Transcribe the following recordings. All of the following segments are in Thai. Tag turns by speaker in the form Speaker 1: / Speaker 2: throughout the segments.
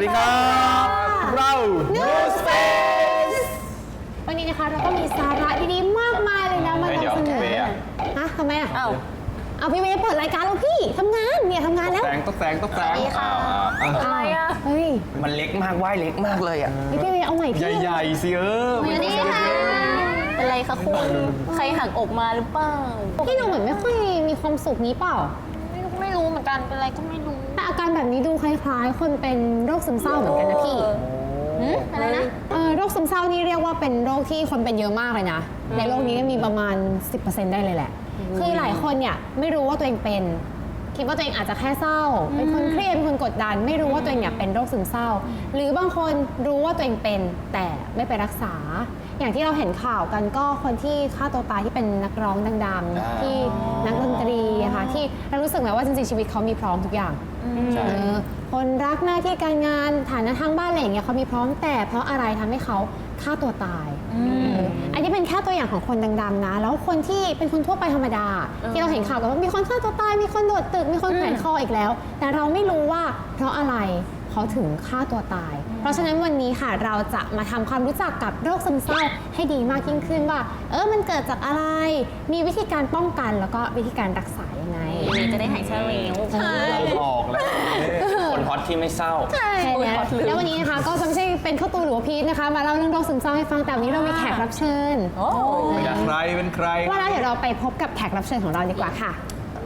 Speaker 1: ดีครับเรา
Speaker 2: New Space วันนี้นะคะเราก็มีสาระดีๆมากมายเลยนะมานำเสนอฮะทำไมอ่ะเอาพี่เวย์เปิดรายการแล้วพี่ทำงานเนี่ยทำงานแล้ว
Speaker 1: ต้องแซง
Speaker 2: อะไรอ่ะเฮ้ย
Speaker 3: มันเล็กมากว่ายเล็กมากเลยอ่ะ
Speaker 2: พี่เวย์เอาใหม่พี่
Speaker 1: ใหญ่ๆสิ
Speaker 4: วันนี้ค่ะเป็นไรคะคุณใครหักอกมาหรือเปล่า
Speaker 2: พี่ดูเหมือนไม่ค่อยมีความสุขนี้เปล่า
Speaker 4: ไม่รู้เหมือนกันเป็นอะไรก็ไม่รู้
Speaker 2: แต่อาการแบบนี้ดูคล้ายๆคนเป็นโรคซึมเศร้าเหมือนกันนะพี่
Speaker 4: อะไรนะ
Speaker 2: โรคซึมเศร้านี่เรียกว่าเป็นโรคที่คนเป็นเยอะมากเลยนะในโลกนี้มีประมาณ 10% ได้เลยแหละคือหลายคนเนี่ยไม่รู้ว่าตัวเองเป็นคิดว่าตัวเองอาจจะแค่เศร้าเป็นคนเครียดเป็นคนกดดันไม่รู้ว่าตัวเองเนี่ยเป็นโรคซึมเศร้าหรือบางคนรู้ว่าตัวเองเป็นแต่ไม่ไปรักษาอย่างที่เราเห็นข่าวกันก็คนที่ฆ่าตัวตายที่เป็นนักร้องดังๆที่นักดนตรีค่ะที่เรารู้สึกไหมว่าจริงๆชีวิตเขามีพร้อมทุกอย่างคนรักหน้าที่การงานฐานะทางบ้านอะไรอย่างเงี้ยเขามีพร้อมแต่เพราะอะไรทำให้เขาฆ่าตัวตายอันนี้เป็นแค่ตัวอย่างของคนดังๆนะแล้วคนที่เป็นคนทั่วไปธรรมดาที่เราเห็นข่าวกันว่ามีคนฆ่าตัวตายมีคนโดดตึกมีคนแขวนคออีกแล้วแต่เราไม่รู้ว่าเพราะอะไรเขาถึงฆ่าตัวตายเพราะฉะนั้นวันนี้ค่ะเราจะมาทำความรู้จักกับโรคซึมเศร้าให้ดีมากยิ่งขึ้นว่ามันเกิดจากอะไรมีวิธีการป้องกันแล้วก็วิธีการรักษายังไง
Speaker 4: จะได้หายเศร้าเร็ว
Speaker 1: ออกแล้ว
Speaker 3: คนฮอตที่ไม่เศร้า
Speaker 2: ใช่แล้ววันนี้นะคะก็จะไม่ใช่เป็นข้าวตูหรือว่าพีทนะคะมาเล่าเรื่องโรคซึมเศร้าให้ฟังแต่วันนี้เรามีแขกรับเชิญ
Speaker 1: ใครเป็นใคร
Speaker 2: ว่าแล้วเดี๋ยวเราไปพบกับแขกรับเชิญของเราดีกว่าค่ะ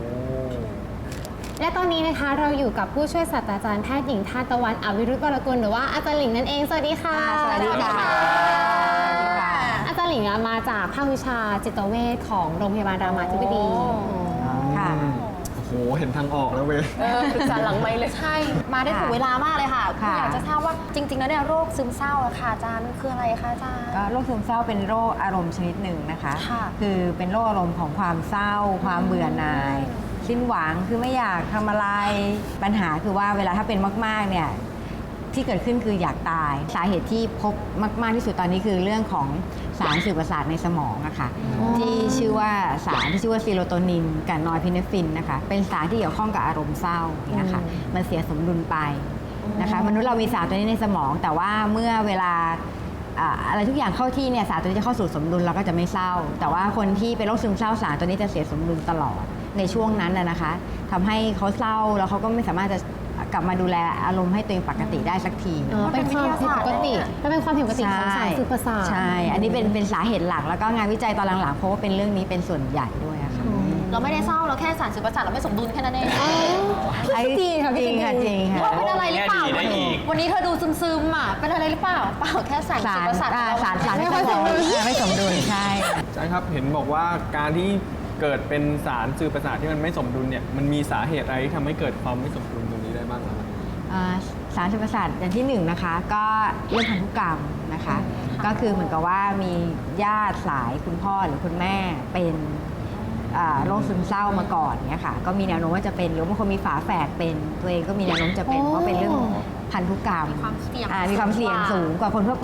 Speaker 2: และตอนนี้นะคะเราอยู่กับผู้ช่วยศาสตราจารย์แพทย์หญิงทานตะวันอวิรุธวรกุลหรือว่าอาจารย์หลิงนั่นเองสวัสดีค่ะ
Speaker 4: สวัสดีค่ะ
Speaker 2: อาจารย์หลิงมาจากภาควิชาจิตเวชของโรงพยาบาลรามาธิบดี
Speaker 4: ค่ะ
Speaker 1: โอ้โหเห็นทางออกแล้วเว้ย
Speaker 4: ปรึกษาหลังไมค์เลยใช่มาได้ถูกเวลามากเลยค่ะอยากจะทราบว่าจริงๆแล้วเนี่ยโรคซึมเศร้าอะค่ะอาจารย์มันคืออะไรคะอาจารย์
Speaker 5: ก็โรคซึมเศร้าเป็นโรคอารมณ์ชนิดหนึ่งนะคะคือเป็นโรคอารมณ์ของความเศร้าความเบื่อหน่ายสิ้นหวังคือไม่อยากทำอะไรปัญหาคือว่าเวลาถ้าเป็นมากๆเนี่ยที่เกิดขึ้นคืออยากตายสาเหตุที่พบมากๆที่สุดตอนนี้คือเรื่องของสารสื่อประสาทในสมองอะค่ะที่ชื่อว่าสารที่ชื่อว่าซีโรโทนินกับนอร์พิเนฟฟินนะคะเป็นสารที่เกี่ยวข้องกับอารมณ์เศร้าเนี่ยค่ะมันเสียสมดุลไปนะคะมนุษย์เรามีสารตัวนี้ในสมองแต่ว่าเมื่อเวลาอะไรทุกอย่างเข้าที่เนี่ยสารตัวนี้จะเข้าสู่สมดุลเราก็จะไม่เศร้าแต่ว่าคนที่เป็นโรคซึมเศร้าสารตัวนี้จะเสียสมดุลตลอดในช่วงนั้นนะคะทำให้เขาเศร้าแล้วเขาก็ไม่สามารถจะกลับมาดูแลอารมณ์ให้ตัวเองปกติได้สักที
Speaker 2: เป็นความผิดปกติเป็นความผิดปกติของสารสื่อประสาท
Speaker 5: ใช่อันนี้เป็นสาเหตุหลักแล้วก็งานวิจัยตอนหลังๆเพราะว่าเป็นเรื่องนี้เป็นส่วนใหญ่ด้วยค่ะ
Speaker 4: เราไม่ได้เศร้าเราแค่สารสื่อประสาทเราไม่สมดุลแค่นั้นเอง
Speaker 5: จริงค่ะจริงค่ะจริงค่ะ
Speaker 4: เป็นอะไรหรือเปล่าวันนี้เธอดูซึมๆอ่ะเป็นอะไรหรือเปล่าเปล่าแค่สารสื่อประสาท
Speaker 5: สารไม่สมดุลไม่สมดุลใช่
Speaker 1: ใช่ครับเห็นบอกว่าการที่เกิดเป็นสารสื่อประสาทที่มันไม่สมดุลเนี่ยมันมีสาเหตุอะไรที่ทำให้เกิดความไม่สมดุลตรงนี้ได้บ้างครับ
Speaker 5: สารสื่อประสาทอย่างที่1นะคะก็เรื่องพันธุกรรมนะคะก็คือเหมือนกับว่ามีญาติสายคุณพ่อหรือคุณแม่เป็นโรคซึมเศร้ามาก่อนเนี่ยค่ะก็มีแนวโน้มว่าจะเป็นหรือบางคนมีฝาแฝดเป็นตัวเองก็มีแนวโน้มจะเป็นเพราะเป็นเรื่องพันธุกรรมมีความเสี่ยงสูงกว่าคนทั่วไป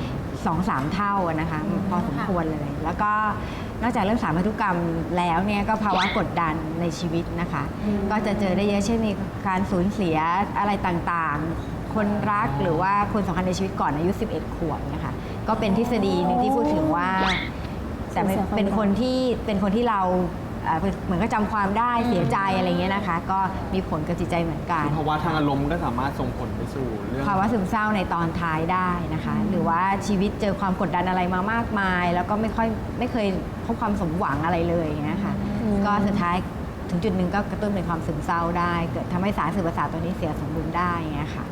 Speaker 5: 2-3 เท่านะคะพอสมควรเลยแล้วก็นอกจากเรื่องสารพันธุกรรมแล้วเนี่ยก็ภาวะกดดันในชีวิตนะคะก็จะเจอได้เยอะเช่นมีการสูญเสียอะไรต่างๆคนรักหรือว่าคนสำคัญในชีวิตก่อนอายุ11 ขวบนะคะก็เป็นทฤษฎีหนึ่งที่พูดถึงว่าแต่เป็นคนที่เราเหมือนก็จำความได้เสียใจอะไรเงี้ยนะคะก็มีผลกับจิตใจเหมือนกัน
Speaker 1: ภาวะทางอารมณ์ก็สามารถส่งผลไปสู่เรื่อง
Speaker 5: ภาวะซึมเศร้าในตอนท้ายได้นะคะหรือว่าชีวิตเจอความกดดันอะไรมามากมายแล้วก็ไม่เคยพบความสมหวังอะไรเลยอย่างเงี้ยค่ะก็สุดท้ายถึงจุดหนึ่งก็กระตุ้นเป็นความซึมเศร้าได้เกิดทำให้สารสื่อประสาทตัวนี้เสียสมดุลได้อย่างเงี้ยค่ะ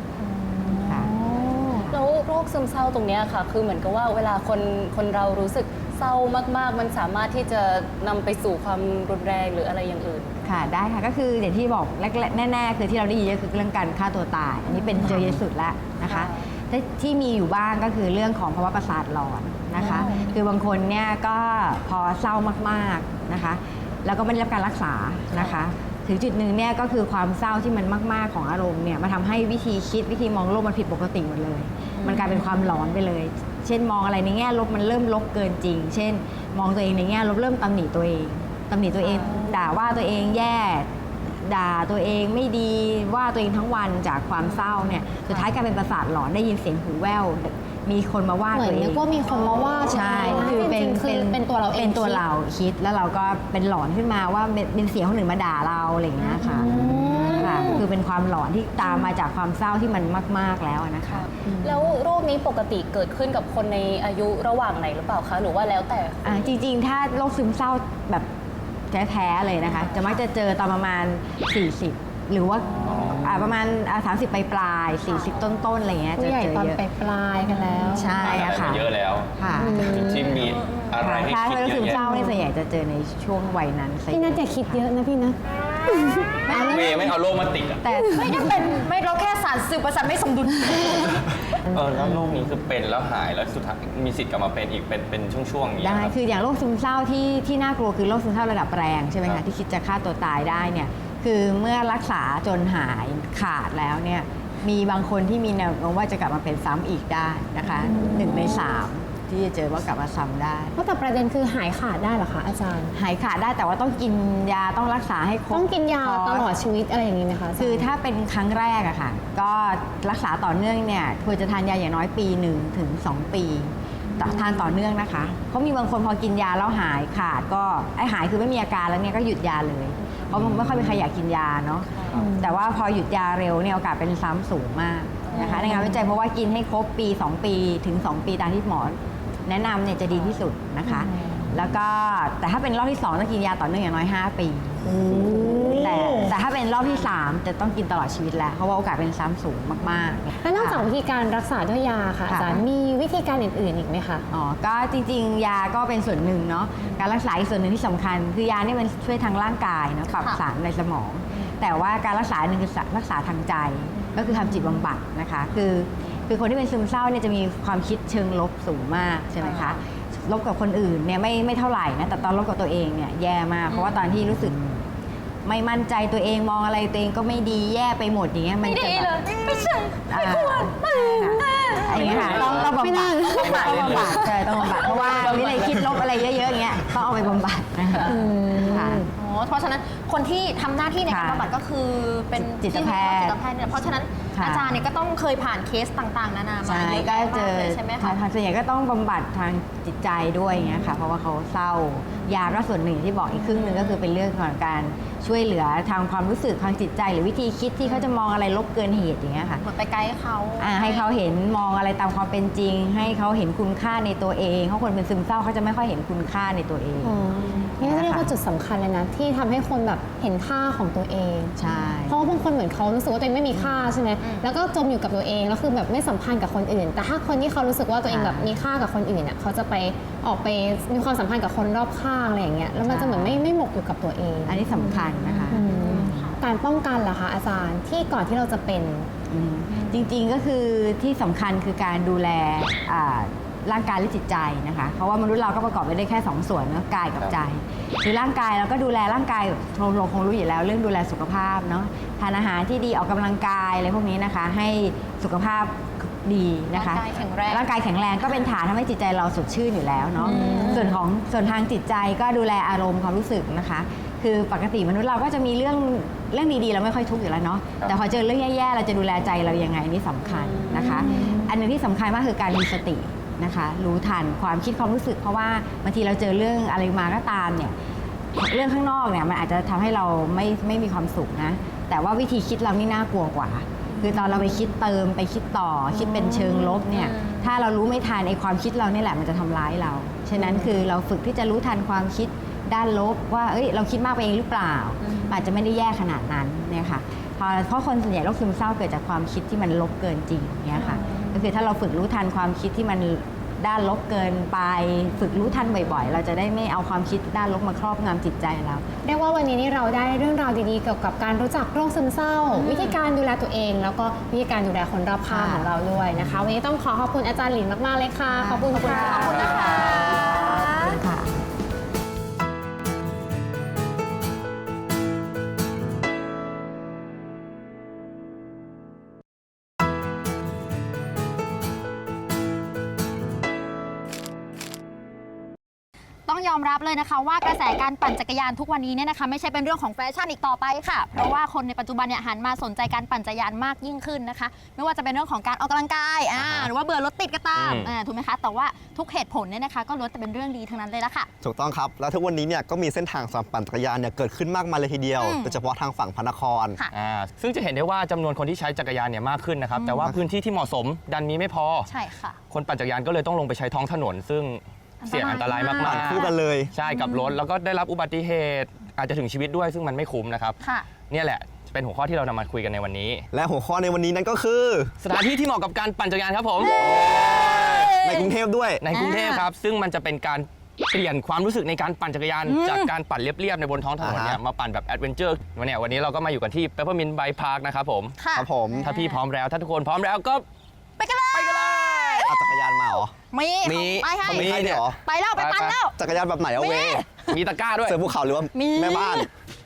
Speaker 4: แล้วโรคซึมเศร้าตรงนี้ค่ะคือเหมือนกับว่าเวลาคนเรารู้สึกเศร้ามากๆมันสามารถที่จะนำไปสู่ความรุนแรงหรืออะไรอย่างอื่น
Speaker 5: ค่ะได้ค่ะก็คืออย่างที่บอกแน่ๆคือที่เราได้ยินก็คือเรื่องการฆ่าตัวตายอันนี้เป็นเจอเยอะสุดแล้วนะคะที่มีอยู่บ้างก็คือเรื่องของภาวะประสาทหลอนนะคะคือบางคนเนี่ยก็พอเศร้ามากๆนะคะแล้วก็ไม่ได้รับการรักษานะคะถึงจุดหนึ่งเนี่ยก็คือความเศร้าที่มันมากๆของอารมณ์เนี่ยมาทำให้วิธีคิดวิธีมองโลกมันผิดปกติหมดเลยมันกลายเป็นความหลอนไปเลยเช่นมองอะไรในแง่ลบมันเริ่มลบเกินจริงเช่นมองตัวเองในแง่ลบเริ่มตำหนิตัวเองด่าว่าตัวเองแย่ด่าตัวเองไม่ดีว่าตัวเองทั้งวันจากความเศร้าเนี่ยสุดท้ายกลายเป็นประสาทหลอนได้ยินเสียงหูแว่วมีคนมาว่า
Speaker 2: เหมื
Speaker 5: ตั
Speaker 2: อน
Speaker 5: วเอ
Speaker 2: นึ
Speaker 5: ง
Speaker 2: กว่ามีคนมาว่า
Speaker 5: ใช่
Speaker 2: คือเป็นตัวเราเอง
Speaker 5: เป็นตัวเราคิดแล้วเราก็เป็นหลอนขึ้นมาว่าเป็นเสียงคนอื่นมาด่าเราอะไรอย่างเงี้ยค่ะค่ะคือเป็นความหลอนที่ตามมาจากความเศร้าที่มันมากๆแล้วนะคะ
Speaker 4: แล้วโรคนี้ปกติเกิดขึ้นกับคนในอายุระหว่างไหนหรือเปล่าคะหรือว่าแล้วแต่คน
Speaker 5: จริงๆ ถ้าโรคซึมเศร้าแบบแท้ๆเลยนะคะ จะมักจะเจอตอนประมาณ 40 หรือว่าประมาณ30ปลายๆ40 ต้นๆอะไรเงี้ย
Speaker 2: ผู้
Speaker 5: จะ
Speaker 2: ใหญ่
Speaker 5: เจอ
Speaker 2: ตอน
Speaker 5: เยอะ
Speaker 2: ปลายๆกันแล้ว
Speaker 5: ใช่อะค่ะ
Speaker 3: เยอะแล้ว
Speaker 5: ค่ะ
Speaker 3: ที่มีอะไรให้
Speaker 5: ถ้า
Speaker 3: คิด
Speaker 5: เป็นโรค
Speaker 3: เย
Speaker 5: ซึ
Speaker 3: อะ
Speaker 5: ม
Speaker 3: แยะ
Speaker 5: เศร้าเนี่ยส่วนใหญ่จะเจอในช่วงวัยนั้นซะ
Speaker 2: พี่นัทอย่าคิดเยอะนะพี่นะ
Speaker 3: เมย์ไม่เอาโรคมาติดอ่ะ
Speaker 5: แต่
Speaker 4: ไม่ได้เป็นไม่เราแค่สารสื่อประสาทไม่สมดุล
Speaker 3: แล้วโรคนี้คือเป็นแล้วหายแล้วสุดท้ายมีสิทธิ์กลับมาเป็นอีกเป็นช่วงๆอย่างเงี้ย
Speaker 5: ได้
Speaker 3: ครับ
Speaker 5: คืออย่างโรคซึมเศร้าที่น่ากลัวคือโรคซึมเศร้าระดับแรงใช่ไหม
Speaker 3: ครั
Speaker 5: คะ
Speaker 3: บ
Speaker 5: ที่คิดจะฆ่าตัวตายได้เนี่ยคือเมื่อรักษาจนหายขาดแล้วเนี่ยมีบางคนที่มีแนวโน้มว่าจะกลับมาเป็นซ้ำอีกได้นะคะ1 ใน 3ที่จะเจอว่ากลับมาซ้ำได้
Speaker 2: เพราะแต่ประเด็นคือหายขาดได้เหรอคะอาจารย์
Speaker 5: หายขาดได้แต่ว่าต้องกินยาต้องรักษาให้ครบ
Speaker 2: ต้องกินยา
Speaker 5: คร์ส
Speaker 2: ตลอดชีวิตอะไรอย่างนี้ไหมคะาจารย์
Speaker 5: คือถ้าเป็นครั้งแรกอะค่ะก็รักษาต่อเนื่องเนี่ยควรจะทานยาอย่างน้อยปี1 ถึง 2 ปีทานต่อเนื่องนะคะเพราะมีบางคนพอกินยาแล้วหายขาดก็หายคือไม่มีอาการแล้วเนี่ยก็หยุดยาเลยเพราะมันไม่ค่อยมีใครอยากกินยาเนาะแต่ว่าพอหยุดยาเร็วเนี่ยโอกาสเป็นซ้ำสูงมากนะคะในงานวิจัยเพราะว่ากินให้ครบปี 2 ปีถึง 2 ปีตามที่หมอแนะนำเนี่ยจะดีที่สุดนะคะ แล้วก็แต่ถ้าเป็นรอบที่2ต้องกินยาต่อเนื่องอย่างน้อย5 ปีแต่ถ้าเป็นรอบที่ 3 จะต้องกินตลอดชีวิตแล้วเพราะว่าโอกาสเป็นซ้ำสูงมากๆ
Speaker 2: แล้วนอกจากวิธีการรักษาด้วยยาค่ะอาจารย์มีวิธีการอื่นๆอีกไหมคะ
Speaker 5: ก็จริงๆ ยาก็เป็นส่วนหนึ่งเนาะการรักษาอีกส่วนหนึ่งที่สำคัญ คือยาเนี่ยมันช่วยทางร่างกายนะปรับสารในสมอง แต่ว่าการรักษาหนึ่งคือรักษาทางใจก็คือทำจิตบำบัดนะคะคือคนที่เป็นซึมเศร้าเนี่ยจะมีความคิดเชิงลบสูงมากใช่ไหมคะลบกับคนอื่นเนี่ยไม่เท่าไหร่นะแต่ตอนลบกับตัวเองเนี่ยแย่มากเพราะว่าตอนที่รู้สึกไม่มั่นใจตัวเองมองอะไรตัวเองก็ไม่ดีแย่ไปหมดอย่างเงี้ยมันจะแบบไม่ใช่ไม่ควรอย่างเงี้ยค่ะต้องบำบัดต้องบำบัดใช่ต้องบำบัดเพราะว่าวิเลยคิดลบอะไรเยอะๆอย่างเงี้ยต้องเอาไปบำบัดนะคะค่ะ
Speaker 6: เพราะฉะนั้นคนที่ทำหน้าที่ในการ
Speaker 5: ค่ะ
Speaker 6: บำบัดก็คือเป็น
Speaker 5: จิตแพทย์
Speaker 6: จิตแพทย์เนี่ยเพราะฉะนั้น
Speaker 5: ค่ะ
Speaker 6: อาจารย์เนี่ยก็ต้องเคยผ่านเคสต่างๆ นานามา
Speaker 5: ใช่
Speaker 6: เยอะ
Speaker 5: ก็
Speaker 6: แยะ
Speaker 5: เจ
Speaker 6: มาก
Speaker 5: อ
Speaker 6: เลยใช่ไหมคะ
Speaker 5: ทางส่วนใหญ่ก็ต้องบำบัดทางจิตใจด้วยอย่างเงี้ยค่ะเพราะว่าเขาเศร้ายาก็ส่วนหนึ่งที่บอกอีกครึ่งหนึ่งก็คือเป็นเรื่องของการช่วยเหลือทางความรู้สึกทางจิตใจ หรือวิธีคิดที่เขาจะมองอะไรลบเกินเหตุอย่างเงี้ยค่ะ
Speaker 6: เหมือนไปไกด์เขา
Speaker 5: ให้เขาเห็นมองอะไรตามความเป็นจริง ให้เขาเห็นคุณค่าในตัวเองเพราะคนเป็นซึมเศร้าเขาจะไม่ค่อยเห็นคุณค่าในตัวเอง
Speaker 2: นี่เรียกว่าจุดสำคัญเลยนะที่ทำให้คนแบบเห็นค่าของตัวเอง
Speaker 5: ใช่
Speaker 2: เพราะว่าบางคนเหมือนเขารู้สึกว่าตัวเองไม่มีค่าใช่ไหมแล้วก็จมอยู่กับตัวเองแล้วคือแบบไม่สัมพันธ์กับคนอื่น แต่ถ้าคนที่เขารู้สึกว่าตัวเองแบบมีค่ากับคนอื่นเขาจะไปออกไปมีความสัมพันธ์กับคนรอบข้างอะไรอย่างเงี้ยแล้วมันจะเหมือนไม่หมกอยู่กับตัวเอง
Speaker 5: อันนี้สำคัญนะคะ
Speaker 2: การป้องกันล่ะคะอาจารย์ที่ก่อนที่เราจะเป็น
Speaker 5: จริงๆก็คือที่สำคัญคือการดูแลร่างกายและจิตใจนะคะเพราะว่ามนุษย์เราก็ประกอบไปได้แค่2 ส่วนนะกายกับใจคือร่างกายเราก็ดูแลร่างกายเราคงรู้อยู่แล้วเรื่องดูแลสุขภาพเนาะทานอาหารที่ดีออกกำลังกายอะไรพวกนี้นะคะให้สุขภาพดีนะคะ
Speaker 6: ร่างกายแข็งแรง
Speaker 5: ร่างกายแข็งแรงก็เป็นฐานทำให้จิตใจเราสดชื่นอยู่แล้วเนาะส่วนทางจิตใจก็ดูแลอารมณ์ความรู้สึกนะคะคือปกติมนุษย์เราก็จะมีเรื่องดีๆเราไม่ค่อยทุกข์อยู่แล้วเนาะแต่พอเจอเรื่องแย่ๆเราจะดูแลใจเรายังไงนี่สำคัญนะคะอันหนึงที่สำคัญมากคือการมีสตินะคะรู้ทันความคิดความรู้สึกเพราะว่าบางทีเราเจอเรื่องอะไรมาก็ตามเนี่ยเรื่องข้างนอกเนี่ยมันอาจจะทำให้เราไม่มีความสุขนะแต่ว่าวิธีคิดเรานี่น่ากลัวกว่าคือตอนเราไปคิดเติมไปคิดต่อคิดเป็นเชิงลบเนี่ยถ้าเรารู้ไม่ทันไอ้ความคิดเรานี่แหละมันจะทำร้ายเราฉะนั้นคือเราฝึกที่จะรู้ทันความคิดด้านลบว่าเราคิดมากไปเองหรือเปล่าอาจจะไม่ได้แย่ขนาดนั้นเนี่ยค่ะเพราะคนส่วนใหญ่โรคซึมเศร้าเกิดจากความคิดที่มันลบเกินจริงเนี่ยค่ะก็คือถ้าเราฝึกรู้ทันความคิดที่มันด้านลบเกินไปฝึกรู้ทันบ่อยๆเราจะได้ไม่เอาความคิดด้านลบมาครอบงำจิตใจเรา
Speaker 2: เรียกว่าวันนี้นี่เราได้เรื่องราวดีๆเกี่ยวกับการรู้จักโรคซึมเศร้า วิธีการดูแลตัวเอง แล้วก็วิธีการดูแลคนรอบข้างของเราด้วยนะคะวันนี้ต้องขอบคุณอาจารย์หลินมากๆเลยค่ะขอบคุณค่ะ
Speaker 6: ขอบคุณนะคะ
Speaker 5: ค่ะ
Speaker 6: ต้องต้องยอมรับเลยนะคะว่ากระแสการปั่นจักรยานทุกวันนี้เนี่ยนะคะไม่ใช่เป็นเรื่องของแฟชั่นอีกต่อไปค่ะเพราะว่าคนในปัจจุบันเนี่ยหันมาสนใจการปั่นจักรยานมากยิ่งขึ้นนะคะไม่ว่าจะเป็นเรื่องของการออกกำลังกายหรือว่าเบื่อรถติดก็ตามถูกไหมคะแต่ว่าทุกเหตุผลเนี่ยนะคะก็ล้วนแต่เป็นเรื่องดีทั้งนั้นเลยละค่ะ
Speaker 7: ถูกต้องครับ แล้วทุกวันนี้เนี่ยก็มีเส้นทางสำหรับปั่นจักรยานเนี่ยเกิดขึ้นมากมายเลยทีเดียวโดยเฉพาะทางฝั่งพระนคร
Speaker 6: ค่ะ
Speaker 3: ซึ่งจะเห็นได้ว่าจำนวนคนที่ใช้จักรยานเนี่ยมากขึ้นนะครับแต่ว่าพื้นที่ที่เหมาะสมดันมีไม่พอ
Speaker 6: ใช่ค่ะ
Speaker 3: คนปั่นจักรยานก็เลยต้องลงไปใช้ท้องถนน ซึ่งเสี่ยงอันตรายมาก
Speaker 7: ปั่นคู่กันเลย
Speaker 3: ใช่กับรถแล้วก็ได้รับอุบัติเหตุอาจจะถึงชีวิตด้วยซึ่งมันไม่คุ้มนะครับ
Speaker 6: ค่ะ
Speaker 3: เนี่ยแหละเป็นหัวข้อที่เรานำมาคุยกันในวันนี้
Speaker 7: และหัวข้อในวันนี้นั่นก็คือ
Speaker 3: สถานที่ที่เหมาะกับการปั่นจักรยานครับผม
Speaker 7: ในกรุงเทพด้วย
Speaker 3: ในกรุงเทพครับซึ่งมันจะเป็นการเปลี่ยนความรู้สึกในการปั่นจักรยานจากการปั่นเรียบๆในบนท้องถนนเนี่ยมาปั่นแบบแอดเวนเจอร์วันนี้เราก็มาอยู่กันที่ Peppermint Bike Park นะครับผม
Speaker 6: ค่ะ
Speaker 7: ครับผม
Speaker 3: ถ้าพี่พร้อมแล้วถ้าทุกคนพร้อมแล้วก็
Speaker 6: ไปกันเลย
Speaker 7: เอาจักรยานมาเหรอ
Speaker 6: มี
Speaker 3: มี
Speaker 6: ไปให้
Speaker 7: มีให้ด้วยเหรอ
Speaker 6: ไปแล้วไปปั่นแล้ว
Speaker 7: จักรยานแบบไหนเอาเว
Speaker 3: มีตะกร้าด้วย
Speaker 7: เสือภูเขาหรือว่า
Speaker 6: มี
Speaker 7: แม่บ้าน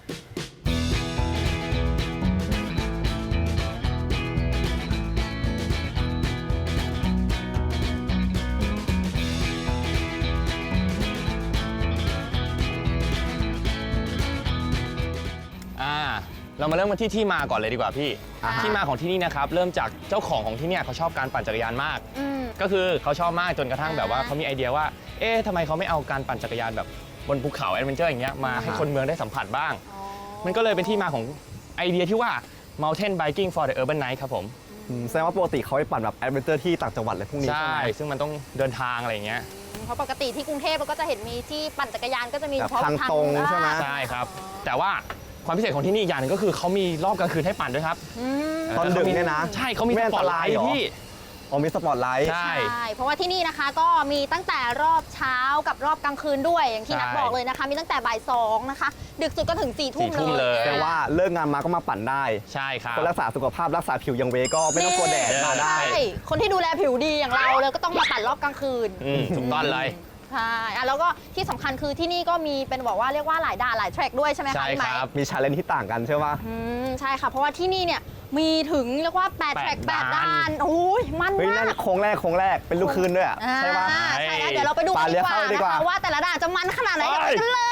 Speaker 3: เรามาเริ่มกันที่มาก่อนเลยดีกว่าพี่ ที่มาของที่นี่นะครับเริ่มจากเจ้าของที่เนี่ยเขาชอบการปั่นจักรยานมาก ก็คือเขาชอบมากจนกระทั่งแบบว่าเขามีไอเดียว่าเอ๊ะทำไมเขาไม่เอาการปั่นจักรยานแบบบนภูเขาแอดเวนเจอร์อย่างเงี้ยมาให้คนเมืองได้สัมผัสบ้าง มันก็เลยเป็นที่มาของไอเดียที่ว่า Mountain Biking for the Urban Night ครับผม
Speaker 7: แสดงว่าปกติเขาไปปั่นแบบแอดเวนเจอร์ที่ต่างจังหวัดอะไรพวกนี้ใช่
Speaker 3: ใช่
Speaker 7: ไหม
Speaker 3: ซึ่งมันต้องเดินทางอะไรอย่างเงี้ย
Speaker 6: เพราะปกติที่กรุงเทพเราก็จะเห็นมีที่ปั่นจักรยานก็จะมี
Speaker 7: แบ
Speaker 6: เฉ
Speaker 7: บ
Speaker 6: พาะ
Speaker 7: ทางตรงใช่ไหม
Speaker 3: ใช่ครับ แต่ว่าความพิเศษของที่นี่อีกอย่างหนึงก็คือเขามีรอบกลางคืนให้ปั่นด้วยครับ
Speaker 7: ตอนดึกเนี่ยนะ
Speaker 3: ใช่เขามี
Speaker 7: ไม่
Speaker 3: ส
Speaker 7: อัน
Speaker 3: ปอ
Speaker 7: ต
Speaker 3: ตไล
Speaker 7: ราย
Speaker 3: ท์
Speaker 7: เหรอ
Speaker 3: พี่
Speaker 7: อ๋อมีสปอตไลท์
Speaker 3: ใช่
Speaker 6: ใช่ เพราะว่าที่นี่นะคะก็มีตั้งแต่รอบเช้ากับรอบกลางคืนด้วยอย่างที่นัท
Speaker 3: ใช่
Speaker 6: บอกเลยนะคะ มีตั้งแต่บ่าย2นะคะ ดึกสุดก็ถึง4 ทุ่ม
Speaker 3: 4 ทุ่ม
Speaker 6: เล
Speaker 3: เลย ย
Speaker 7: แต่ว่าเลิกงานมาก็มาปั่นได้
Speaker 3: ใช่ครับ
Speaker 7: ก็รักษาสุขภาพรักษาผิวอยังเวก็ไม่ต้องกลัวแดดมาได้
Speaker 6: ใช่คนที่ดูแลผิวดีอย่างเราเลยก็ต้องมาปั่นรอบกลางคืน
Speaker 3: ถูกต้องเลย
Speaker 6: ใช่แล้วก็ที่สำคัญคือที่นี่ก็มีเป็นบอกว่าเรียกว่าหลายด่านหลายแทร็กด้วยใช่ไหมคะ
Speaker 3: ใช่
Speaker 6: พี่ไม
Speaker 3: ครับ
Speaker 6: ค์
Speaker 7: มีชาเลนจ์ที่ต่างกันใช่ปะ
Speaker 6: ใช่ค่ะ เพราะว่าที่นี่เนี่ยมีถึงเรียกว่า8แทร็ก
Speaker 3: 8
Speaker 6: 8ด่านโอ้ยมัน
Speaker 7: เฮ้ย
Speaker 6: มา
Speaker 7: นั่น
Speaker 6: ก
Speaker 7: โค้งแรกเป็นลูกคืนด้วยอะใช่ปะ
Speaker 6: ใช่แล้วเดี๋ยวเราไปดูกัน
Speaker 7: เลี้
Speaker 6: ดี
Speaker 7: ยว
Speaker 6: กว่า
Speaker 7: เข้าดี
Speaker 6: นะ
Speaker 7: กว่า
Speaker 6: คะว่าแต่ละด่านจะมันขนาดไหนกัน
Speaker 3: ไป
Speaker 6: ไปกันเลย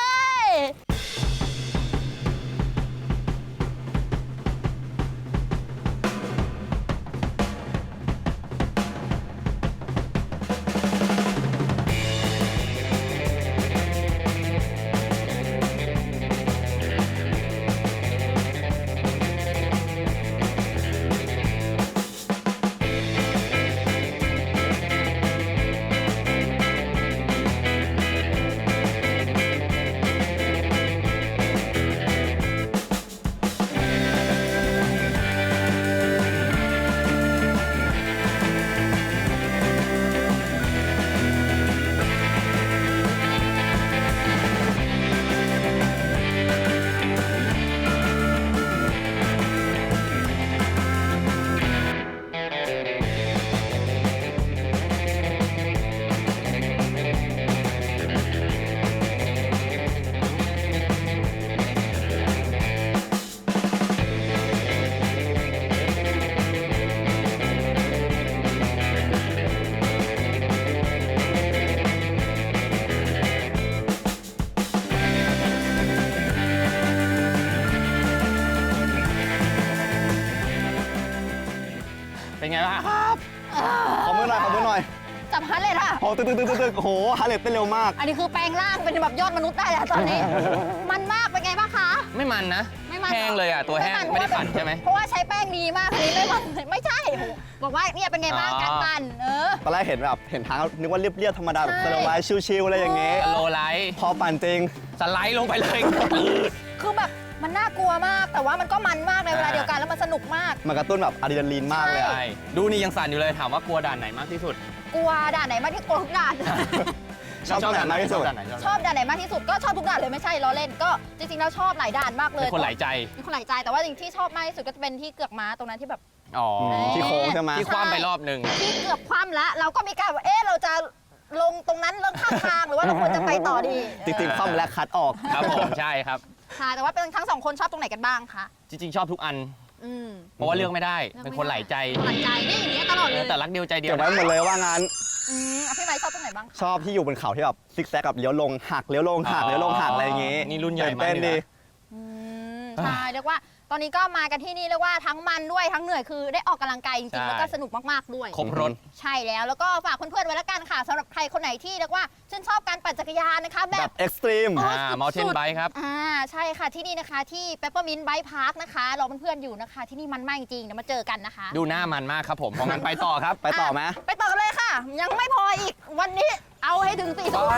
Speaker 3: เป็นไงบ้างครับ
Speaker 7: ขอมือหน่อย
Speaker 6: จับฮันเลยค่ะ
Speaker 7: โอ้ตึกโอ้โหฮาร์เลตเต้นเร็วมาก
Speaker 6: อันนี้คือแปลงร่างเป็นแบบยอดมนุษย์ได้แล้วตอนนี้ มันมากเป็นไงบ้างคะ
Speaker 3: ไม่มันนะ
Speaker 6: ไม่มัน
Speaker 3: แห้งเลยอ่ะตัวแห้งไม่ได้ปั่นใช่ไหม
Speaker 6: เพราะว่าใช้แป้งดีมากอันนี้ไม่มันไม่ใช่ บอกว่าเนี่ยเป็นไงบ้าง
Speaker 3: อ๋อ
Speaker 6: การปั่น
Speaker 7: ตอนแรกเห็นแบบเห็นทางนึกว่าเรียบๆธรรมดาแบบ
Speaker 6: ใช่
Speaker 7: สโลว์ไลท์ชิลๆอะไรอย่างเงี้ย
Speaker 3: โลไลท์
Speaker 7: พอปั่นจริง
Speaker 3: สไลด์ลงไปเลย
Speaker 6: คือแบบมันน่ากลัวมาก แต่ว่ามันก็มันมากในเวลาเดียวกันแล้วมันสนุกมาก
Speaker 7: มันกระตุ้นแบบอะดรีนาลีนมากเลยอะ
Speaker 3: ใช่ดูนี่ยังสั่นอยู่เลยถามว่ากลัวด่านไหนมากที่สุด
Speaker 6: กลัวด่านไหนมากที่กลัวทุกด่าน
Speaker 7: ชอบด่านไหนมากที่สุด
Speaker 3: ชอบด่านไหน
Speaker 6: ชอบด่านไหนมากที่สุดก็ชอบทุกด่านเลยไม่ใช่ล้อเล่นก็จริงๆแล้วชอบหลายด่านมากเลย
Speaker 3: เป็นคนหลายใจ
Speaker 6: เป็นคนหลายใจแต่ว่าจริงๆที่ชอบมากที่สุดก็จะเป็นที่เกือกม้าตรงนั้นที่แบบ
Speaker 3: อ๋อ
Speaker 7: ที่โค้งใช่ไหม
Speaker 3: ที่คว่ำไปรอบหนึ่ง
Speaker 6: ที่เกือบคว่ำแล้วเราก็มีการว่าเอ๊ะเราจะลงตรงนั้นเรื่องข้างทางหรือว่าเราควรจะไปต่อดี
Speaker 7: จริงๆคว่ำและคัดออก
Speaker 3: ครับผมใช่ครับ
Speaker 6: ค่ะแต่ว่าเป็นทั้งสองคนชอบตรงไหนกันบ้างคะ
Speaker 3: จริงๆ ชอบทุกอัน
Speaker 6: อืม
Speaker 3: เพราะว่าเลือกไม่ได้ เป็นคนหลายใจ
Speaker 6: หลักใจนี่อย่างเงี้ยตลอดเลย
Speaker 3: แต่รักเดียวใจเดีย
Speaker 7: เก็
Speaker 3: ว
Speaker 7: บไว้หมดเลยว่างั้น
Speaker 6: อ่ะพี่ไม้ชอบตรงไหนบ้าง
Speaker 7: ชอบที่อยู่บนเขาที่แบบซิกแซกกับเลี้ยวลงหักเลี้ยวลงหักเลี้ยวลงหักอะไรอย่างงี้
Speaker 3: นี่รุ่นใหญ่มาก
Speaker 7: เต้น
Speaker 3: เลย
Speaker 7: ดี
Speaker 3: นะ
Speaker 6: ใช่เรียกว่าตอนนี้ก็มากันที่นี่เรียกว่าทั้งมันด้วยทั้งเหนื่อยคือได้ออกกำลังกายจริงๆแล้วก็สนุกมากๆด้วย
Speaker 3: ครบรถ
Speaker 6: ใช่แล้วก็ฝากเพื่อนๆไว้แล้วกันค่ะสำหรับใครคนไหนที่เรียกว่าชื่นชอบการปั่นจักรยานนะคะแบ
Speaker 7: แบบ บเอ็กซ์ตรีม
Speaker 3: Mountain Bike ครับ
Speaker 6: ใช่ค่ะที่นี่นะคะที่ Peppermint Bike Park นะคะรอเพื่อนๆอยู่นะคะที่นี่มันมากจริงๆเดี๋ยวมาเจอกันนะคะ
Speaker 3: ดูหน้ามันมากครับผมเพราะงั้นไปต่อครับ
Speaker 7: ไปต่อไหม
Speaker 6: ไปต่อเลยค่ะ ยังไม่พออีกวันนี้เอาให้ถึง4 ทุ่ม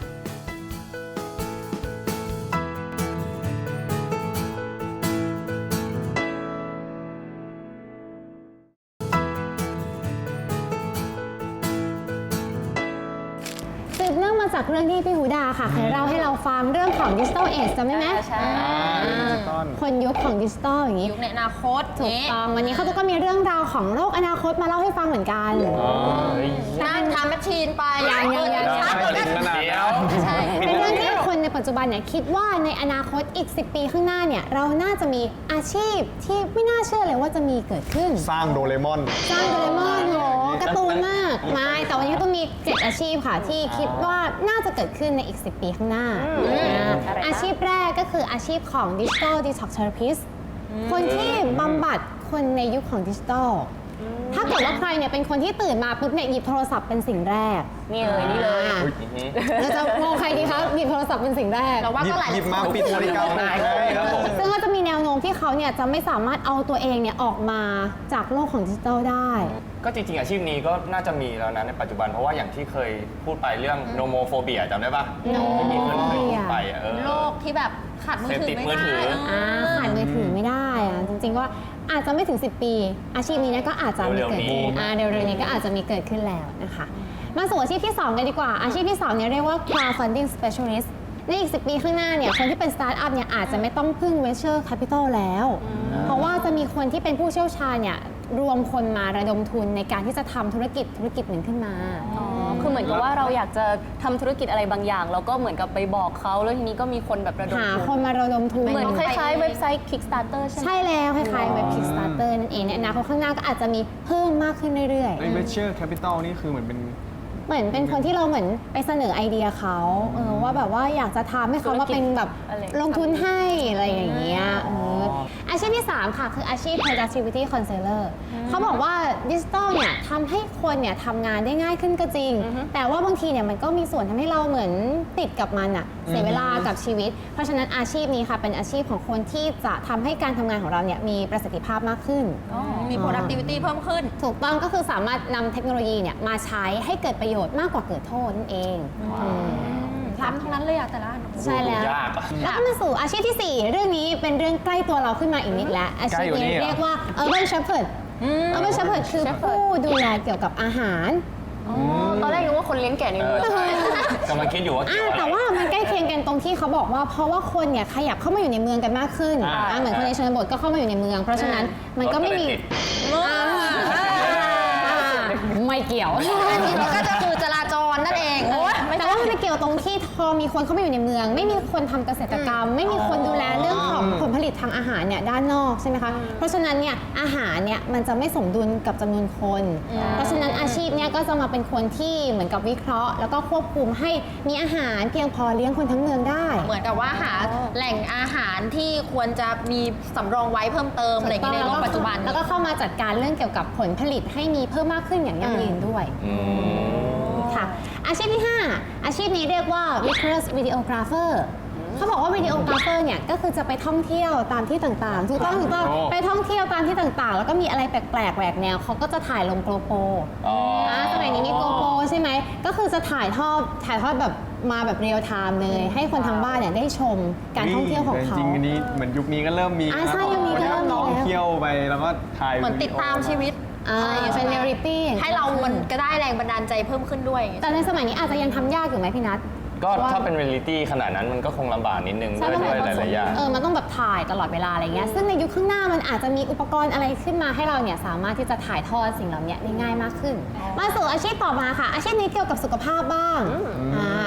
Speaker 2: สืบเนื่องมาจากเรื่องที่พี่หูดาค่ะเคยเล่าให้เราฟังเรื่องของ Digital Age จำได้ไหม
Speaker 6: ใช่
Speaker 2: คนยุคของดิจิตอลอย่างนี้
Speaker 6: ยุคในอนาคต
Speaker 2: ถูกต้องวันนี้เขาก็มีเรื่องราวของโลกอนาคตมาเล่าให้ฟังเหมือนกัน
Speaker 6: นั่งทำแมชชีนไป
Speaker 2: ยัง
Speaker 6: ช้า
Speaker 1: ไม่
Speaker 6: เกิน
Speaker 1: ถึงขนาดนั้น
Speaker 6: ใช่
Speaker 2: เป็นเรื่องที่คนในปัจจุบันเนี่ยคิดว่าในอนาคตอีก 10 ปีข้างหน้าเนี่ยเราน่าจะมีอาชีพที่ไม่น่าเชื่อเลยว่าจะมีเกิดขึ้น
Speaker 7: สร้างโดเรมอน
Speaker 2: สร้างโดเรมอนโหการ์ตูนมากไม่แต่วันนี้ก็ต้องมี 7 อาชีพค่ะที่คิดว่าน่าจะเกิดขึ้นในอีก 10 ปีข้างหน้าอาชีพแรกก็คืออาชีพของ Digital Detox Therapist คนที่บำบัดคนในยุคของดิจิทัล ถ้าเกิดว่าใครเนี่ยเป็นคนที่ตื่นมาปุ๊บเนี่ยหยิบโทรศัพท์เป็นสิ่งแรก
Speaker 6: นี่เลยนี่เลย
Speaker 2: เราจะมองใครดีคะหยิบโทรศัพท์เป็นสิ่งแรก
Speaker 6: เราว่าก็หลาย
Speaker 7: หยิบมาปิดนาฬิกา
Speaker 3: ได้ครับผม
Speaker 2: ซึ่งก็จะมีแนวโน้มที่เขาเนี่ยจะไม่สามารถเอาตัวเองเนี่ยออกมาจากโลกของดิจิทัลได้
Speaker 3: ก็จริงๆอาชีพนี้ก็น่าจะมีแล้วนะในปัจจุบันเพราะว่าอย่างที่เคยพูดไปเรื่องโนโมโฟเบียจำได้ปะที่มีคนเคยพูดไป
Speaker 6: โลกที่แบบขาดมือถือ
Speaker 3: เสพติดมื
Speaker 6: ไม่
Speaker 3: อถื
Speaker 6: ได้
Speaker 3: อ
Speaker 2: ขาดมือถือไม่ได้อะจริงๆว่าอาจจะไม่ถึง 10 ปี อาชีพนี้เนี่ยก็อาจจะมีเกิดขึ้นเร็วๆนี้ก็อาจจะมีเกิดขึ้นแล้วนะคะ มาสู่อาชีพที่ 2 กันดีกว่า อาชีพที่ 2 เนี่ยเรียกว่า crowdfunding specialist ในอีก 10 ปีข้างหน้าเนี่ยคนที่เป็นสตาร์ทอัพเนี่ยอาจจะไม่ต้องพึ่ง venture capital แล้ว เพราะว่าจะมีคนที่เป็นผู้เชี่ยวชาญเนี่ยรวมคนมาระดมทุนในการที่จะทำธุรกิจหนึ่งขึ้นมา
Speaker 4: คือเหมือนกับว่าเราอยากจะทำธุรกิจอะไรบางอย่างแล้วก็เหมือนกับไปบอกเขาแล้วทีนี้ก็มีคนแบบระดม
Speaker 2: หา
Speaker 4: ทุน
Speaker 2: คนมาระดมทุน
Speaker 4: เหมือนคล้ายๆเว็บไซต์ Kickstarter ใช่ไหม
Speaker 2: ใช่แล้วคล้ายๆเว็บ Kickstarter นั่นเองในอนาคตข้างหน้าก็อาจจะมีเพิ่มมากขึ้นเรื่อยๆ
Speaker 1: ไอ้ venture capital นี่คือเหมือนเป็น
Speaker 2: เหมือนเป็นคนที่เราเหมือนไปเสนอไอเดียเขาว่าแบบว่าอยากจะทำให้เขามาเป็นแบบ
Speaker 4: อะไร
Speaker 2: ลงทุนให้อะไรอย่างเงี้ยอาชีพที่ 3 ค่ะคืออาชีพ productivity counselor เขาบอกว่าดิจิทัลเนี่ยทำให้คนเนี่ยทำงานได้ง่ายขึ้นก็จริง แต่ว่าบางทีเนี่ยมันก็มีส่วนทำให้เราเหมือนติดกับมันอะเสียเวลากับชีวิต เพราะฉะนั้นอาชีพนี้ค่ะเป็นอาชีพของคนที่จะทำให้การทำงานของเราเนี่ยมีประสิทธิภาพมากขึ้น
Speaker 6: มี productivity เพิ่มขึ้น
Speaker 2: ถูกต้องก็คือสามารถนำเทคโนโลยีเนี่ยมาใช้ให้เกิดประโยชน์มากกว่าเกิดโทษนั่นเองค่ะ
Speaker 6: ทั้งนั้นเลยอะแต่ละอัน
Speaker 2: ใช่แล้ว
Speaker 3: ยากอะ
Speaker 2: แล้วก็มาสู่อาชีพที่ 4 เรื่องนี้เป็นเรื่องใกล้ตัวเราขึ้นมาอีกนิดแล้ว อาชีพนี้เรียกว่า urban shepherd urban shepherd คือผู้ดูแลเกี่ยวกับอาหาร
Speaker 4: ตอนแรกนึกว่าคนเลี้ยงแกะในเมือง
Speaker 3: กำลังคิดอยู่ว่าเกี่ยวอะไร
Speaker 2: แต่ว่ามันใกล้เคียงกันตรงที่เขาบอกว่าเพราะว่าคนเนี่ยขยับเข้ามาอยู่ในเมืองกันมากขึ้นเหมือนคนในชนบทก็เข้ามาอยู่ในเมือง เพราะฉะนั้นมันก็ไม่มี ไม่เกี่ยว
Speaker 6: มันก็จะคือจราจรนั่นเอง
Speaker 2: แต่ว่ามันไปเกี่ยวตรงที่พอมีคนเข้ามาอยู่ในเมือง ไม่มีคนทำเกษตรกรรม ไม่มีคนดูแลเรื่องของผลผลิตทางอาหารเนี่ยด้านนอกใช่ไหมคะเพราะฉะนั้นเนี่ยอาหารเนี่ยมันจะไม่สมดุลกับจำนวนคน เพราะฉะนั้นอาชีพเนี่ยก็จะมาเป็นคนที่เหมือนกับวิเคราะห์ แล้วก็ควบคุมให้มีอาหารเพียงพอเลี้ยงคนทั้งเมืองได้
Speaker 6: เหมือนกับว่าหาแหล่งอาหารที่ควรจะมีสำรองไว้เพิ่มเติมอะไรอย่างเงี้ยในโลกปัจจุบัน
Speaker 2: แล้วก็เข้ามาจัดการเรื่องเกี่ยวกับผลผลิตให้มีเพิ่มมากขึ้นอย่างยั่งยืนด้วยค่ะอาชีพที่ 5 อาชีพนี้เรียกว่า Vicarous Videographer เขาบอกว่าวิดีโอกราฟเฟอร์เนี่ยก็คือจะไปท่องเที่ยวตามที่ต่างๆถูกต้องไปท่องเที่ยวตามที่ต่างๆ แล้วก็มีอะไรแปลกๆแหวกแนวเขาก็จะถ่ายลงโกโปรสมัยนี้มีโกโปรใช่ไหมก็คือจะถ่ายทอดแบบมาแบบเรียลไทม์เลยให้คนทางบ้านเนี่ยได้ชมการท่องเที่ยวของเขา
Speaker 1: จริงๆอันนี้เหมือนยุคนี้ก็เริ่มมี
Speaker 2: ใช่ยุคนี้ก็เริ่มมีแล้ว
Speaker 1: ท่องเที่ยวไปแล้วก็ถ่าย
Speaker 6: เหมือนติดตามชีวิต
Speaker 2: เป็นเรียลลิตี้
Speaker 6: ให้เรามันก็ได้แรงบันดาลใจเพิ่มขึ้นด้วย
Speaker 2: แต่ในสมัยนี้อาจจะยังทำยากอยู่ไหมพี่นัท
Speaker 3: ก็ถ้าเป็นเรียลลิตี้ขนาดนั้นมันก็คงลำบากนิดนึง
Speaker 2: ใช่
Speaker 3: ด้วยหลายๆอย่าง
Speaker 2: มันต้องแบบถ่ายตลอดเวลาอะไรเงี้ยซึ่งในยุคข้างหน้ามันอาจจะมีอุปกรณ์อะไรขึ้นมาให้เราเนี่ยสามารถที่จะถ่ายทอดสิ่งเหล่านี้ได้ง่ายมากขึ้นมาสู่อาชีพต่อมาค่ะอาชีพนี้เกี่ยวกับสุขภาพบ้าง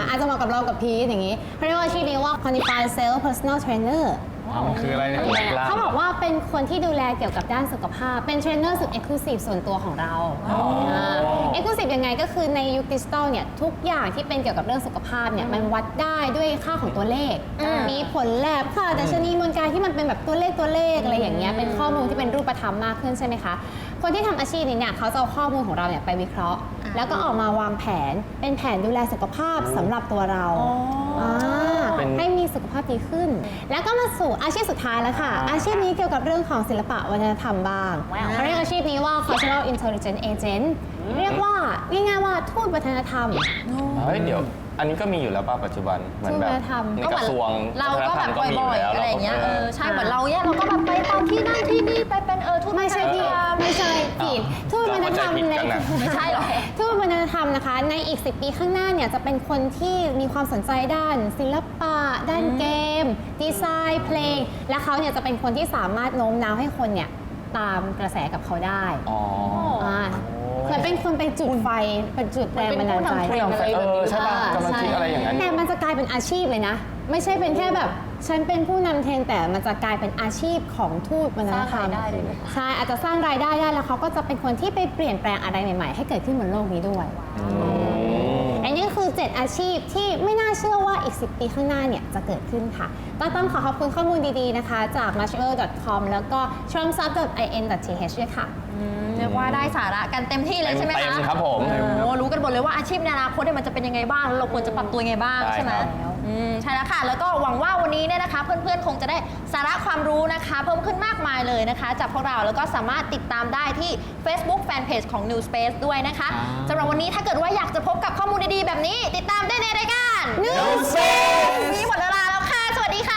Speaker 2: อาจจะเหมาะกับเรากับพีทอย่างนี้เขาเรียกว่าอาชีพนี้ว่า Qualified Self Personal Trainer
Speaker 1: มันคืออะไรเนี่ย
Speaker 2: เขาบอกว่าเป็นคนที่ดูแลเกี่ยวกับด้านสุขภาพ เป็นเทรนเนอร์สุดเอ็กซ์คลูซีฟส่วนตัวของเราเอ็กซ์คลูซีฟยังไงก็คือในยุคดิจิตอลเนี่ยทุกอย่างที่เป็นเกี่ยวกับเรื่องสุขภาพเนี่ยมันวัดได้ด้วยค่าของตัวเลข มีผลแลบค่ะแต่ชนีมวลกายที่มันเป็นแบบตัวเลขอะไรอย่างเงี้ยเป็นข้อมูลที่เป็นรูปธรรมมากขึ้นใช่ไหมคะคนที่ทำอาชีพนี้เนี่ยเขาจะเอาข้อมูลของเราเนี่ยไปวิเคราะห์ แล้วก็ออกมาวางแผนเป็นแผนดูแลสุขภาพสำหรับตัวเราให้มีสุขภาพดีขึ้น แล้วก็มาสู่อาชีพสุดท้ายแล้วค่ะ อาชีพนี้เกี่ยวกับเรื่องของศิลปะวัฒนธรรมบ้างเขาเรียกอาชีพนี้ว่า cultural intelligence agent เรียกว่าง่ายๆว่าทูตวัฒนธรรม
Speaker 3: เฮ้ยเดี๋ยวอันนี้ก็มีอยู่แล้วป่ะปัจจุบันเหมือนแบบ
Speaker 2: วัฒนธรรม
Speaker 3: ในกระทรวง
Speaker 6: เราก็แบบ
Speaker 3: วัฒนธรรมมี
Speaker 6: บ่อยๆ
Speaker 3: แล้ว
Speaker 6: อะไรอย่างเงี้ย
Speaker 3: ก็
Speaker 6: ใช่เหมือนเราเนี่ยเราก็แบบไปตามที่นั่นที่นี่ไปเป็นทูต
Speaker 2: ไม่ใช่พี่ไม่ใช่ผิดทูตวัฒนธรรม
Speaker 3: เราเข้าใจผิดกันน่ะ
Speaker 6: ไม่ใช่หรอ
Speaker 2: ทูตวัฒนธรรมนะคะในอีก 10 ปีข้างหน้าเนี่ยจะเป็นคนที่มีความสนใจด้านศิลปะ ด้านเกม ดีไซน์เพลง และเขาเนี่ยจะเป็นคนที่สามารถโน้มน้าวให้คนเนี่ยตามกระแสกับเขาได้
Speaker 3: อ๋อ
Speaker 2: เหมือนเป็นคนไปจุดไฟเป็นจุดแรงบันดาลใจ
Speaker 4: เป็นผู้นำเทรนด์อะไรแบบนี้
Speaker 3: ใช่ป่ะกำลังคิดอะไรอย่างนั้นอยู่
Speaker 2: แต่มันจะกลายเป็นอาชีพเลยนะ ไม่ใช่เป็นแค่แบบฉันเป็นผู้นำเทรนด์แต่มันจะกลายเป็นอาชีพของทูตวัฒนธรรม
Speaker 4: สร้างรายได้เลยนะ
Speaker 2: ใช่อาจจะสร้างรายได้ได้แล้วเขาก็จะเป็นคนที่ไปเปลี่ยนแปลงอะไรใหม่ๆ ให้เกิดขึ้นบนโลกนี้ด้วย อันนี้คือ 7 อาชีพที่ไม่น่าเชื่อว่าอีก 10 ปีข้างหน้าเนี่ยจะเกิดขึ้นค่ะ ก็ต้องขอบคุณข้อมูลดีๆนะคะ จาก marshall.com แล้วก็ tromsub.in.th ด้วยค่ะ
Speaker 6: เรียกว่าได้สาระกันเต็มที่เลยใช่ไหม
Speaker 3: เต็
Speaker 6: คะ
Speaker 3: มครับผม
Speaker 6: โอ้รู้กันหมดเลยว่าอาชีพในอนาคตเนี่ยมันจะเป็นยังไงบ้างแล้วเราควรจะปรับตัวยังไงบ้าง
Speaker 3: ใช่
Speaker 6: ใช่ไหม
Speaker 3: ครับ
Speaker 6: ใช่แล้วค่ะ แล้วก็หวังว่าวันนี้เนี่ยนะคะ เพื่อนๆคงจะได้สาระความรู้นะคะ เพิ่มขึ้นมากมายเลยนะคะ จากพวกเราแล้วก็สามารถติดตามได้ที่ Facebook Fanpage ของ New Space ด้วยนะคะสำหรับวันนี้ถ้าเกิดว่าอยากจะพบกับข้อมูลดีๆแบบนี้ ติดตามได้ในรายการ New Space วันนี้หมดเวลาแล้วค่ะ สวัสดีค่ะ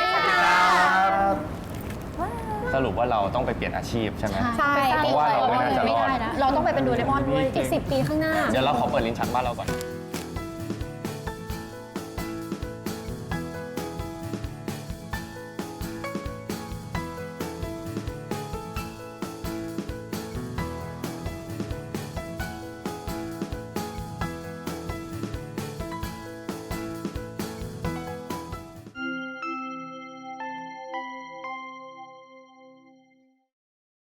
Speaker 3: สรุปว่าเราต้องไปเปลี่ยนอาชีพใช่ไหม
Speaker 2: ใช่
Speaker 3: เพราะว่าเราไม่น่าจะรอด
Speaker 6: เราต้องไปเป็นโดเรมอนด้วย
Speaker 2: อีก 10 ปีข้างหน้า
Speaker 3: เดี๋ยวเราขอเปิดลิ้นชักบ้านเราก่อน